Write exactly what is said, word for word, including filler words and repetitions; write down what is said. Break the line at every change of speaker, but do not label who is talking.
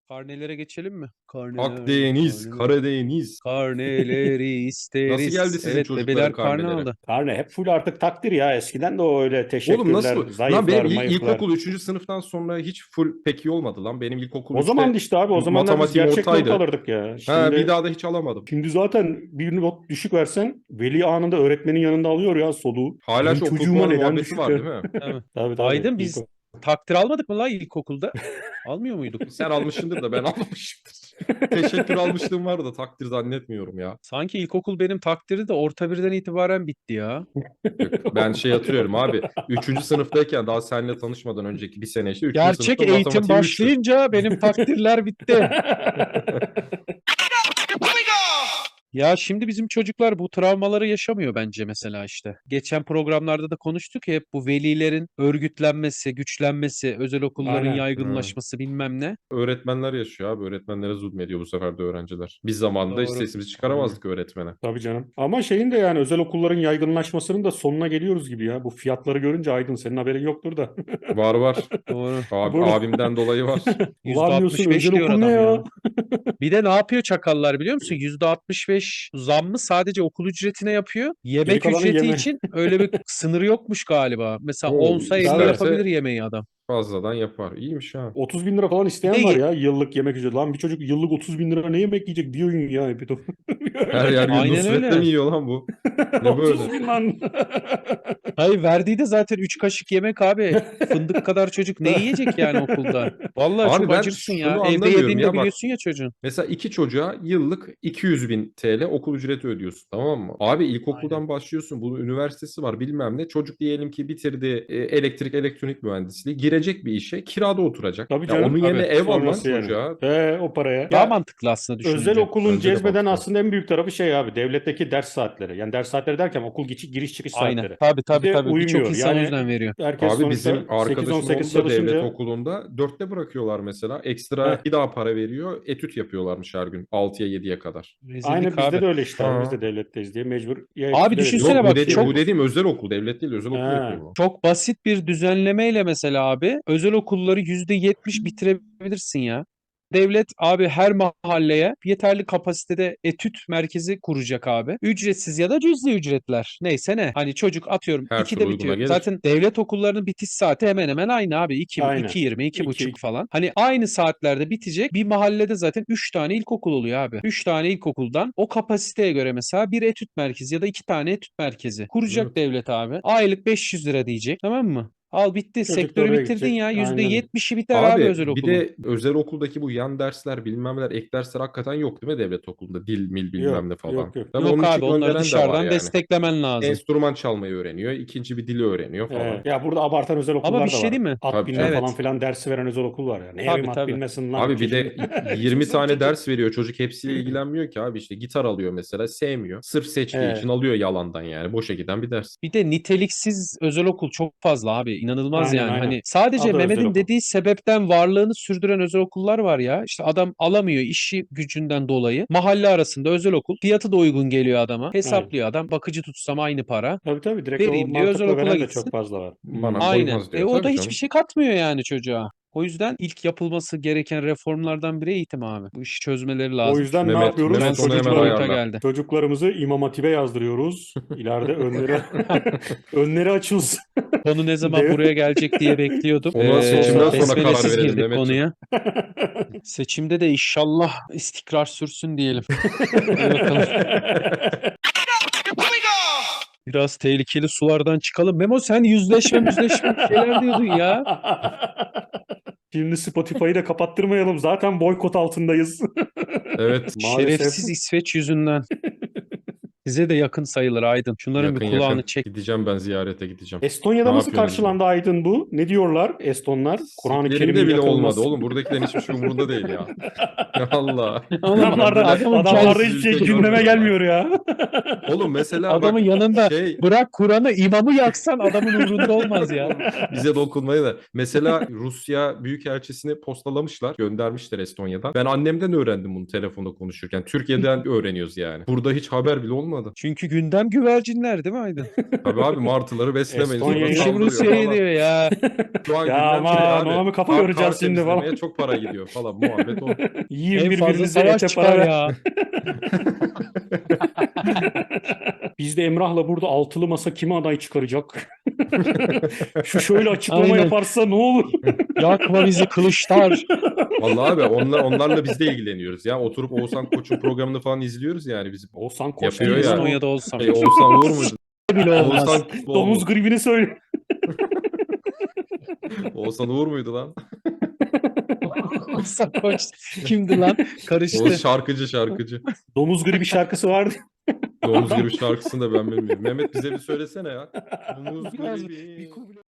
Karnelere geçelim mi? Karneler,
Akdeniz,
karneler.
Karadeniz.
Karneleri
Nasıl geldi
isteriz.
sizin
Evet,
çocukların
bebeler karne
karneleri?
aldı.
Karne hep full artık takdir ya. Eskiden de o öyle
Oğlum
teşekkürler,
nasıl? Lan
zayıflar,
benim il-
mayıflar.
ilkokul üçüncü sınıftan sonra hiç full pek iyi olmadı lan. Benim ilkokul
O zaman
üçte
işte abi o zamanlar biz
matematiğim
gerçek not
ortaydı.
alırdık ya.
Ha, bir
Şimdi
daha da hiç alamadım.
şimdi zaten bir not düşük versen veli anında öğretmenin yanında alıyor ya soluğu.
Hala
Benim
şu okul
çocuğuma
puanı
neden
muhabbeti
düşük
var
ver?
değil mi?
Tabii.
Tabii tabii.
Aydın
İlk
biz takdir almadık mı lan ilkokulda? Almıyor muyduk?
Sen almışsındır da ben almamışımdır. Teşekkür almışlığım var da takdir zannetmiyorum ya.
Sanki ilkokul benim takdiri de orta birden itibaren bitti ya.
Yok, ben şey hatırlıyorum abi. Üçüncü sınıftayken daha seninle tanışmadan önceki bir sene işte. Üçüncü
Gerçek
sınıfta
eğitim
matematiğim üçtü.
başlayınca benim takdirler bitti. Ya şimdi bizim çocuklar bu travmaları yaşamıyor bence mesela işte. Geçen programlarda da konuştuk ya hep bu velilerin örgütlenmesi, güçlenmesi, özel okulların
Aynen.
yaygınlaşması bilmem ne.
Öğretmenler yaşıyor abi. Öğretmenlere zulmediyor bu sefer de öğrenciler. Biz zamanında hiç
Doğru.
sesimizi çıkaramazdık öğretmene.
Tabii canım. Ama şeyin de yani özel okulların yaygınlaşmasının da sonuna geliyoruz gibi ya. Bu fiyatları görünce Aydın senin haberin yoktur da.
Var var.
Doğru.
Abi,
Burada-
abimden dolayı var.
Ulan diyorsun
yüzde altmış beş
özel
diyor
okul ne
adam
ya?
ya. Bir de ne yapıyor çakallar biliyor musun? yüzde altmış beş zammı sadece okul ücretine yapıyor.
Geri
Yemek
kalanı
ücreti
yeme.
için öyle bir sınırı yokmuş galiba. Mesela
O
onsa elli
isterse-
yapabilir yemeği adam.
Fazladan yapar. İyiymiş ha.
otuz bin lira falan
Bir
isteyen
de
var
ye-
ya yıllık yemek ücreti. Lan bir çocuk yıllık otuz bin lira ne yemek yiyecek? Bir öğün ya. Bir de-
Her yer gün
Aynen
Nusret'le
öyle.
mi yiyor lan bu? Ne
otuz
böyle?
bin lan.
Hayır verdiği de zaten üç kaşık yemek abi. Fındık kadar çocuk ne yiyecek yani okulda? Vallahi
Abi
çok
ben
acırsın
şunu
ya. Evde
anlamıyorum
yediğini
ya
de
bak.
biliyorsun ya çocuğun.
Mesela iki çocuğa yıllık iki yüz bin T L okul ücreti ödüyorsun, tamam mı? Abi ilkokuldan
Aynen.
başlıyorsun. Bunun üniversitesi var bilmem ne. Çocuk diyelim ki bitirdi e, elektrik elektronik mühendisliği. Girecek bir işe kirada oturacak.
Tabii
Ya
canım.
onun yerine
Tabii.
ev al lan
Sonrası yani.
çocuğa.
He, o paraya.
Daha
Ya
mantıklı aslında
özel
düşününce.
okulun
Bence de
cezbeden
mantıklı.
aslında en büyük tarafı şey abi. Devletteki ders saatleri. Yani ders saatleri derken okul geçi, giriş çıkış
Aynen.
saatleri.
Tabii tabii
Bize
tabii. Birçok
uymuyor.
insan o
Yani
yüzden veriyor.
herkes
Abi
sonuçta
bizim arkadaşım
sekiz on sekiz
oğlu da devlet
çalışınca
okulunda dörtte bırakıyorlar mesela. Ekstra
heh,
bir daha para veriyor. Etüt yapıyorlarmış her gün altıya yediye kadar.
aynı
Rezillik
bizde
abi.
de öyle işte abi. Biz
Ha.
de devletteyiz diye mecbur ya
Abi
etüde
düşünsene
Yok
veriyoruz.
bu
bak
Bir şey
dediğim bu
çok
veriyoruz.
dediğim özel okul, devlet değil, özel okul yapıyor
Ha.
bu.
çok basit bir düzenlemeyle mesela abi özel okulları yüzde yetmiş bitirebilirsin ya. Devlet abi her mahalleye yeterli kapasitede etüt merkezi kuracak abi. Ücretsiz ya da cüzi ücretler. Neyse ne. Hani çocuk atıyorum
Her türlü
ikide
uyguna
bitiyor.
gelir.
Zaten devlet okullarının bitiş saati hemen hemen aynı abi. iki,
Aynen.
iki yirmi, iki
İki,
buçuk falan. Hani aynı saatlerde bitecek. Bir mahallede zaten üç tane ilkokul oluyor abi. üç tane ilkokuldan o kapasiteye göre mesela bir etüt merkezi ya da iki tane etüt merkezi kuracak
Evet.
devlet abi. Aylık beş yüz lira diyecek. Tamam mı? Al bitti.
Çocuk da
Sektörü
oraya
bitirdin
gidecek.
ya. yüzde
Aynen.
yetmişi biter abi
Abi
özel
bir
okulun.
de özel okuldaki bu yan dersler bilmem neler ek dersler hakikaten yok değil mi devlet okulunda? Dil mil bilmem
Yok,
ne falan.
yok, yok.
Tabii
Yok
onun için
abi onları
gönderen de var
dışarıdan
yani.
desteklemen lazım.
Enstrüman çalmayı öğreniyor. İkinci bir dili öğreniyor falan.
Ee, ya burada abartan özel
Ama
okullar
bir
da
şey
var.
değil mi?
At
Tabii
binme
canım.
falan
Evet.
filan dersi veren özel okul var ya. Ne
Tabii
bileyim at
tabii.
bilmesin lan
Abi bir de
çocuğun.
yirmi tane
Çocuk-
ders veriyor. Çocuk hepsiyle ilgilenmiyor ki abi. İşte gitar alıyor mesela sevmiyor. Sırf seçtiği
Ee,
için alıyor yalandan yani. Boşa giden bir ders.
Bir de niteliksiz özel okul çok fazla abi. İnanılmaz
aynen
yani.
aynen.
Hani sadece
Adı özel
Mehmet'in
okul.
dediği sebepten varlığını sürdüren özel okullar var ya. İşte adam alamıyor işi gücünden dolayı. Mahalle arasında özel okul. Fiyatı da uygun geliyor adama.
Aynen.
Hesaplıyor adam. Bakıcı tutsam aynı para.
Tabii tabii direkt o
Vereyim diyor özel
mantıkla
okula
veren de
gitsin.
çok fazla var.
Bana
Hmm.
Aynen.
koymaz
E
diyor.
o da
Tabii
hiçbir
canım.
şey katmıyor yani çocuğa. O yüzden ilk yapılması gereken reformlardan biri eğitim abi. Bu işi çözmeleri
O
lazım.
yüzden ne
Mehmet,
yapıyoruz?
Şu an
Mehmet onu hemen
sıkıcı boyuta
Çocukları,
ayarla.
geldi.
çocuklarımızı İmam Hatip'e yazdırıyoruz. İleride önleri önleri açılsın.
Konu ne zaman
Dev-
buraya gelecek diye bekliyordum.
Ona
Nasıl
Ee,
seçimden
olsa.
sonra karar
besmelesiz
verelim
girdik
Mehmetciğim.
konuya. Seçimde de inşallah istikrar sürsün diyelim. Hadi bakalım. Biraz tehlikeli sulardan çıkalım. Memo sen yüzleşme yüzleşme bir şeyler diyordun ya.
Şimdi Spotify'ı da kapattırmayalım. Zaten boykot altındayız.
Evet.
Maalesef.
Şerefsiz İsveç yüzünden. Size de yakın sayılır Aydın. Şunların
Yakın
bir kulağını
yakın.
çek.
Gideceğim ben ziyarete gideceğim.
Estonya'da
Ne
nasıl
yapıyorsunuz
karşılandı Aydın bu? Ne diyorlar Estonlar? Kur'an-ı
Siklerinde
Kerim'in
bile olmadı
yakılması.
oğlum. Buradakilerin hiçbir şey umurunda değil ya. Allah.
Oğlum,
Adamlarda,
adamın
adamlarda
kendisi
hiçbir şey
ülke
gündeme
görmüyorlar.
gelmiyor ya.
Oğlum mesela
adamın
bak
yanında
şey
bırak Kur'an'ı imamı yaksan adamın umurunda olmaz ya.
bize dokunmayı da. Mesela Rusya Büyükelçisini postalamışlar. Göndermişler Estonya'dan. Ben annemden öğrendim bunu telefonda konuşurken. Türkiye'den öğreniyoruz yani. Burada hiç haber bile olmadı. anlamadım.
Çünkü gündem güvercinler değil mi Aydın?
Tabii abi martıları beslemeyiz.
Estonya'yı-
Orada
İşi
saldırıyor
Rusya'ya
falan.
diyor ya.
Şu an
Ya
gündem
aman,
şey abi.
ona mı kafa
kar-
yoracağız
kar
şimdi
temizlemeye
falan.
çok para gidiyor falan. Muhabbet o.
Yiyin
En fazla
birbirinize
savaş
ete para
çıkar
ver.
ya.
Biz de Emrah'la burada altılı masa kime aday çıkaracak? Şu şöyle açıklama
Aynen.
yaparsa ne olur?
Yakma bizi kılıçlar.
Vallahi abi onlar, onlarla biz de ilgileniyoruz ya. Oturup Oğuzhan Koç'un programını falan izliyoruz yani. Bizim
Oğuzhan Koç
Yapıyor
değil
ya.
lan o.
Estonya'da olsam.
şey, Oğuzhan Uğur muydu?
bile olmaz.
Oğuzhan,
Domuz gribini söyle.
Oğuzhan Uğur muydu lan?
Oğuzhan Koç kimdi lan? Karıştı.
Oğuz şarkıcı şarkıcı.
Domuz gribi şarkısı vardı.
Domuz gibi şarkısını da ben bilmiyorum. Mehmet bize bir söylesene ya. Domuz
Biraz
gribi.
bir